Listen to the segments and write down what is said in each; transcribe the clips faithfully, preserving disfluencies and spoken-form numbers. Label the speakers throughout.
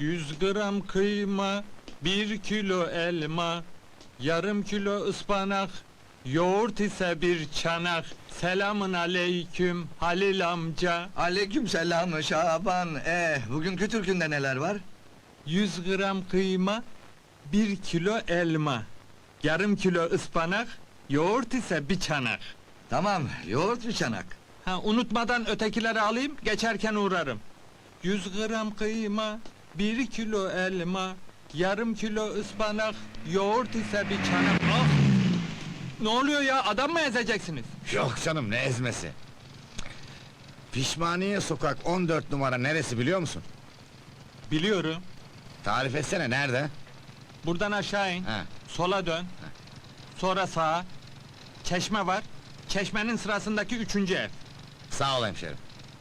Speaker 1: Yüz gram kıyma, bir kilo elma, yarım kilo ıspanak, yoğurt ise bir çanak. Selamın aleyküm Halil amca.
Speaker 2: Aleykümselam Şaban. Eh, bugünkü türkünde neler var?
Speaker 1: Yüz gram kıyma, bir kilo elma, yarım kilo ıspanak, yoğurt ise bir çanak.
Speaker 2: Tamam, yoğurt bir çanak.
Speaker 1: Ha, unutmadan ötekileri alayım, geçerken uğrarım. Yüz gram kıyma, bir kilo elma, yarım kilo ıspanak, yoğurt ise bir çanak. Ah! Ne oluyor ya, adam mı ezeceksiniz?
Speaker 3: Yok canım, ne ezmesi? Pişmaniye sokak on dört numara neresi biliyor musun?
Speaker 1: Biliyorum.
Speaker 3: Tarif etsene, nerede?
Speaker 1: Buradan aşağı in,
Speaker 3: Ha.
Speaker 1: sola dön, sonra sağa. Çeşme var, çeşmenin sırasındaki üçüncü ev.
Speaker 3: Sağ ol hemşerim.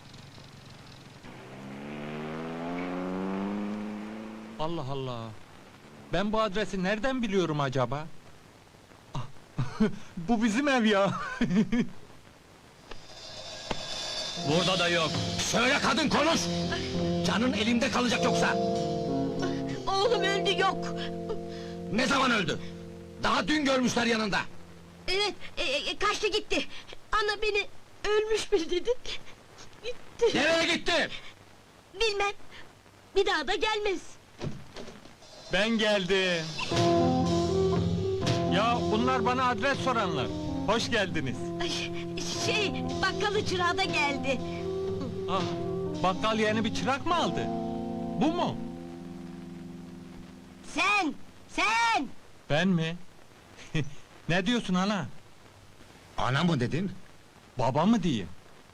Speaker 1: Allah Allah! Ben bu adresi nereden biliyorum acaba? Ah, bu bizim ev ya!
Speaker 4: Burada da yok.
Speaker 3: Söyle kadın, konuş! Canın elimde kalacak yoksa!
Speaker 5: Oğlum öldü, yok!
Speaker 3: Ne zaman öldü? Daha dün görmüşler yanında!
Speaker 5: Evet, e, e, kaçtı gitti! Ana beni ölmüş mü dedi? Gitti!
Speaker 3: Nereye gitti?
Speaker 5: Bilmem! Bir daha da gelmez!
Speaker 1: Ben geldim! Ya bunlar bana adres soranlar. Hoş geldiniz.
Speaker 5: Ay, şey, bakkalı çırağı da geldi!
Speaker 1: Ah, bakkal yeni bir çırak mı aldı? Bu mu?
Speaker 5: Sen! Sen!
Speaker 1: Ben mi? Ne diyorsun ana?
Speaker 3: Ana mı dedin?
Speaker 1: Baba mı diyeyim?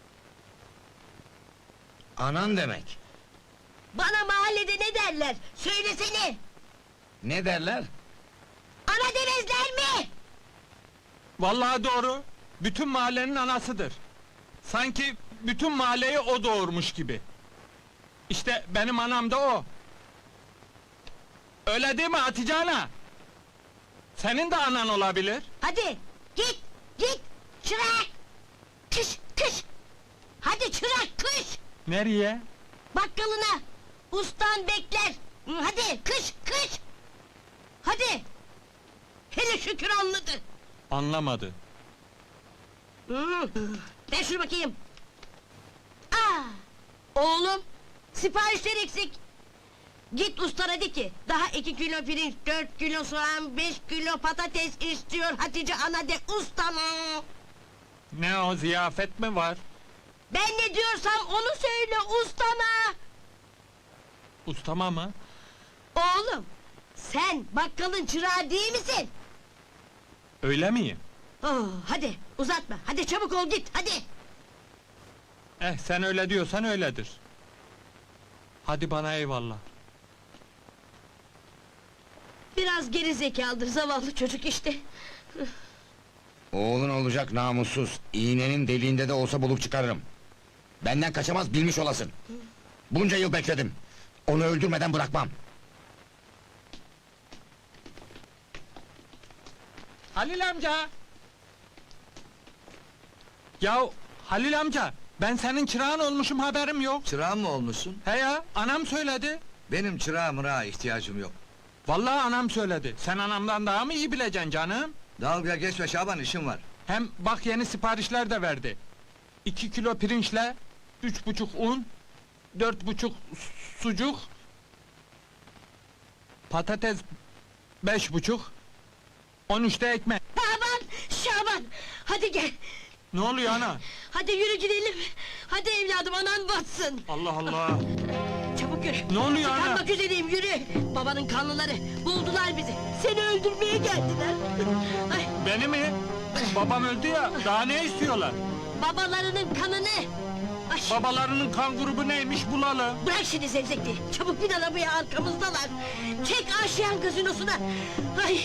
Speaker 3: Anan demek.
Speaker 5: Bana mahallede ne derler? Söylesene!
Speaker 3: Ne derler?
Speaker 5: Ana demezler mi?
Speaker 1: Vallahi doğru. Bütün mahallenin anasıdır. Sanki bütün mahalleyi o doğurmuş gibi. İşte benim anam da o. Öyle değil mi Hatice ana? Senin de anan olabilir.
Speaker 5: Hadi, git, git! Çırak! Kış, kış! Hadi çırak, kış!
Speaker 1: Nereye?
Speaker 5: Bakkalına! Ustan bekler! Hı, hadi, kış, kış! Hadi! Hele şükür anladı!
Speaker 1: Anlamadı.
Speaker 5: Hı, ver şunu bakayım! Aa! Oğlum! Siparişler eksik! Git ustana de ki, daha iki kilo pirinç, dört kilo soğan, beş kilo patates istiyor Hatice ana de ustama!
Speaker 1: Ne o, ziyafet mi var?
Speaker 5: Ben ne diyorsam onu söyle ustama!
Speaker 1: Ustama mı?
Speaker 5: Oğlum! Sen bakkalın çırağı değil misin?
Speaker 1: Öyle miyim?
Speaker 5: Oh, hadi uzatma, hadi çabuk ol git, hadi!
Speaker 1: Eh, sen öyle diyorsan öyledir. Hadi bana eyvallah.
Speaker 5: Biraz geri zekalıdır zavallı çocuk işte!
Speaker 3: Oğlun olacak namussuz. İğnenin deliğinde de olsa bulup çıkarırım. Benden kaçamaz, bilmiş olasın. Bunca yıl bekledim. Onu öldürmeden bırakmam.
Speaker 1: Halil amca! Yahu Halil amca, ben senin çırağın olmuşum, haberim yok.
Speaker 2: Çırağın mı olmuşsun?
Speaker 1: He ya, anam söyledi.
Speaker 2: Benim çırağa mırağa ihtiyacım yok.
Speaker 1: Vallahi anam söyledi. Sen anamdan daha mı iyi bileceksin canım?
Speaker 2: Dalga geçme Şaban, işim var.
Speaker 1: Hem bak yeni siparişler de verdi. İki kilo pirinçle, üç buçuk un, dört buçuk sucuk, patates beş buçuk, on üçte ekmek.
Speaker 5: Şaban! Şaban! Hadi gel!
Speaker 1: Ne oluyor ana?
Speaker 5: Hadi yürü gidelim! Hadi evladım, anan batsın!
Speaker 1: Allah Allah!
Speaker 5: Çabuk yürü!
Speaker 1: Ne oluyor ana?
Speaker 5: Tıkanmak üzereyim, yürü! Babanın kanlıları, buldular bizi! Seni öldürmeye geldiler! Ay,
Speaker 1: Beni mi? Babam öldü ya, daha ne istiyorlar?
Speaker 5: babalarının kanını! Ay,
Speaker 1: Babalarının kan grubu neymiş bulalım.
Speaker 5: bırak şimdi zevzekliği! Çabuk bin arabaya, arkamızdalar! Çek Aşiyan gazinosuna! Ay!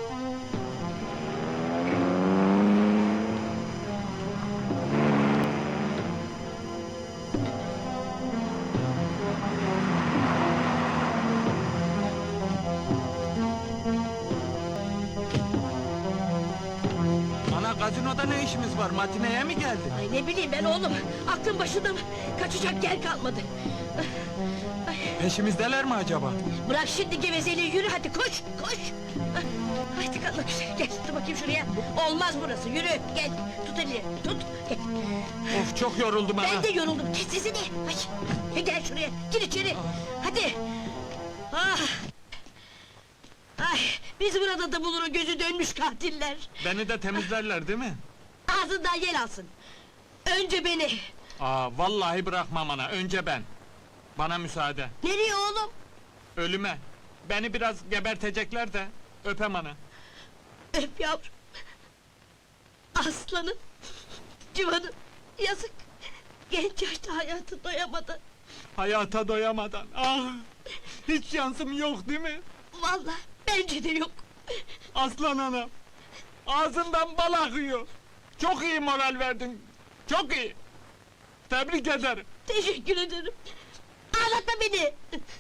Speaker 1: Ana, gazinoda ne işimiz var? Matineye mi geldin?
Speaker 5: Ay ne bileyim ben oğlum, aklım başında mı? Kaçacak yer kalmadı. Ay,
Speaker 1: Peşimizdeler mi acaba?
Speaker 5: Bırak şimdi gevezeliği, yürü hadi koş koş. Hah, Hadi kalk gel tut bakayım şuraya. Olmaz burası, yürü gel. Tut elini tut gel.
Speaker 1: Of çok yoruldum ana.
Speaker 5: Ben de yoruldum, kes sesini. Ay, gel şuraya, gir içeri. Hadi. Ah. Ay, biz burada da bulur o gözü dönmüş katiller.
Speaker 1: Beni de temizlerler değil mi?
Speaker 5: Ağzından yel alsın. Önce beni.
Speaker 1: Aa vallahi bırakmam ana. Önce ben. Bana müsaade.
Speaker 5: Nereye oğlum?
Speaker 1: Ölüme. Beni biraz gebertecekler de öpem ana.
Speaker 5: Öp yavrum. Aslanım. Civanım. Yazık. Genç yaşta hayatı doyamadı.
Speaker 1: Hayata doyamadan. Ah! Hiç şansım yok değil mi?
Speaker 5: Vallahi bence de yok.
Speaker 1: Aslan anam. Ağzından bal akıyor. Çok iyi moral verdin. Çok iyi. Tebrik ederim.
Speaker 5: Teşekkür ederim. Ağlatma beni.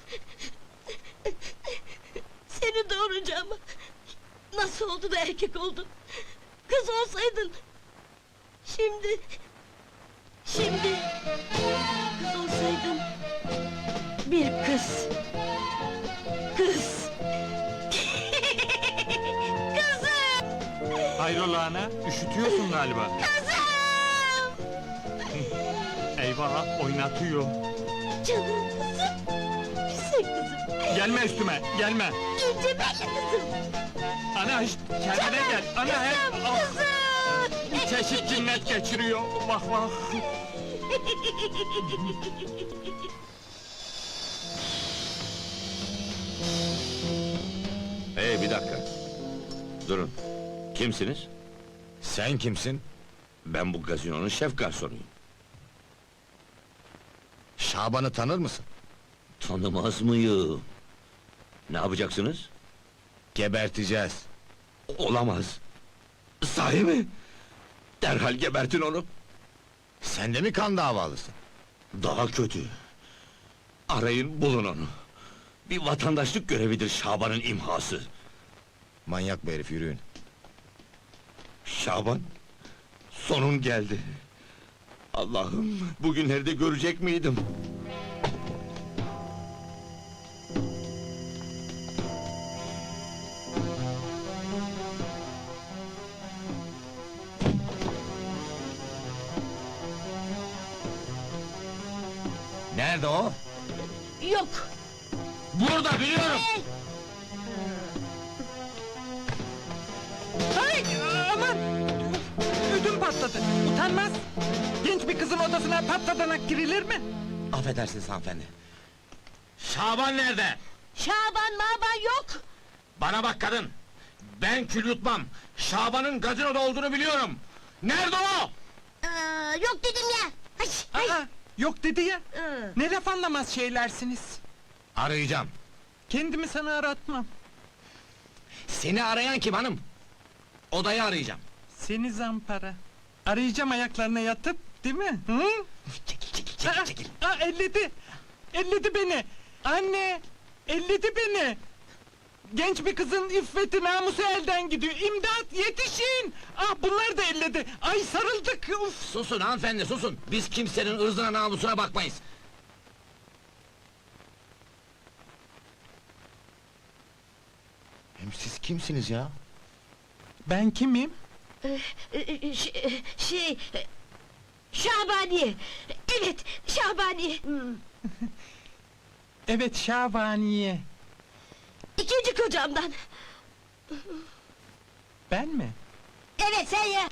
Speaker 5: Seni doğuracağım. Nasıl oldu da erkek oldun? Kız olsaydın. Şimdi... Şimdi... Kız olsaydın... Bir kız... Kız... Kızım!
Speaker 1: Hayrola ana? Üşütüyorsun galiba.
Speaker 5: Kızım!
Speaker 1: Eyvah oynatıyor.
Speaker 5: Canım kızım! Güzel kızım!
Speaker 1: Gelme üstüme, gelme.
Speaker 5: İnce belli kızım!
Speaker 1: Ana hiç kendine gel. Ana hep
Speaker 5: Kızım!
Speaker 1: ah,
Speaker 5: Kızım!
Speaker 1: çeşit cinnet geçiriyor. Bak bak.
Speaker 3: Hey bir dakika. Durun. Kimsiniz? Sen kimsin? Ben bu gazinonun şef garsonuyum. Şaban'ı tanır mısın? Tanımaz mıyım? Ne yapacaksınız? Geberteceğiz. Olamaz. Sahi mi? Derhal gebertin onu. Sen de mi kan davalısın? Daha kötü. Arayın bulun onu. Bir vatandaşlık görevidir Şaban'ın imhası. Manyak bir herif, yürüyün. Şaban, sonun geldi. Allah'ım, bugünleri de görecek miydim? Nerede o?
Speaker 5: Yok!
Speaker 3: Burada, biliyorum!
Speaker 5: Hey!
Speaker 1: Hay aman! Ödüm patladı. Utanmaz. Genç bir kızın odasına patladanak girilir mi?
Speaker 3: Affedersiniz hanımefendi. Şaban nerede?
Speaker 5: Şaban maban yok!
Speaker 3: Bana bak kadın! Ben kül yutmam! Şaban'ın gazinoda olduğunu biliyorum! Nerede o?
Speaker 5: Aa, yok dedim ya! Ay, ay.
Speaker 1: Aa, yok dedi ya.
Speaker 5: Hı.
Speaker 1: Ne laf anlamaz şeylersiniz.
Speaker 3: Arayacağım.
Speaker 1: Kendimi sana aratmam.
Speaker 3: Seni arayan kim hanım? Odayı arayacağım.
Speaker 1: Seni zampara. Arayacağım ayaklarına yatıp, değil mi? Hı?
Speaker 3: Çekil çekil
Speaker 1: Aa,
Speaker 3: çekil çekil.
Speaker 1: aa, elledi! Elledi beni! Anne! Elledi beni! Genç bir kızın iffeti, namusu elden gidiyor! İmdat, yetişin! Ah, bunlar da elledi! Ay, sarıldık! Uf!
Speaker 3: Susun hanımefendi susun! Biz kimsenin ırzına namusuna bakmayız! Hem siz kimsiniz ya?
Speaker 1: Ben kimim?
Speaker 5: Ee, e, ş- Şey... e, Şabaniye! Evet, Şabaniye! Hmm.
Speaker 1: Evet, Şabaniye.
Speaker 5: İkinci kocamdan!
Speaker 1: Ben mi?
Speaker 5: Evet, sen ya!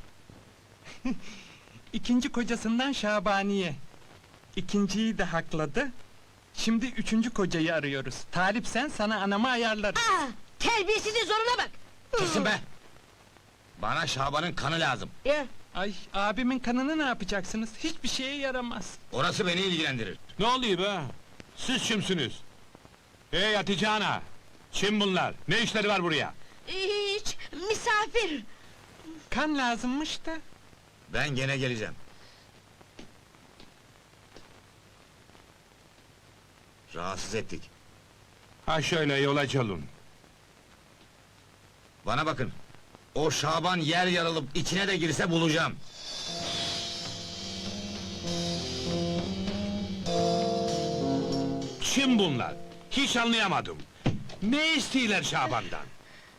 Speaker 1: İkinci kocasından Şabaniye. İkinciyi de hakladı. Şimdi üçüncü kocayı arıyoruz. Talipsen sana anamı ayarlarım.
Speaker 5: Aa, terbiyesizin zoruna bak!
Speaker 3: Kesin be! Bana Şaban'ın kanı lazım.
Speaker 5: Ya,
Speaker 1: Ay, abimin kanını ne yapacaksınız? Hiçbir şeye yaramaz.
Speaker 3: Orası beni ilgilendirir.
Speaker 4: Ne oluyor be? Siz kimsiniz? Hey Hatice ana! Kim bunlar? Ne işleri var buraya?
Speaker 5: hiç, misafir!
Speaker 1: Kan lazımmış da.
Speaker 3: Ben gene geleceğim. Rahatsız ettik.
Speaker 4: Ha şöyle yola çalın.
Speaker 3: Bana bakın. O Şaban yer yarılıp içine de girse bulacağım.
Speaker 4: Kim bunlar? Hiç anlayamadım. Ne istiyorlar Şaban'dan?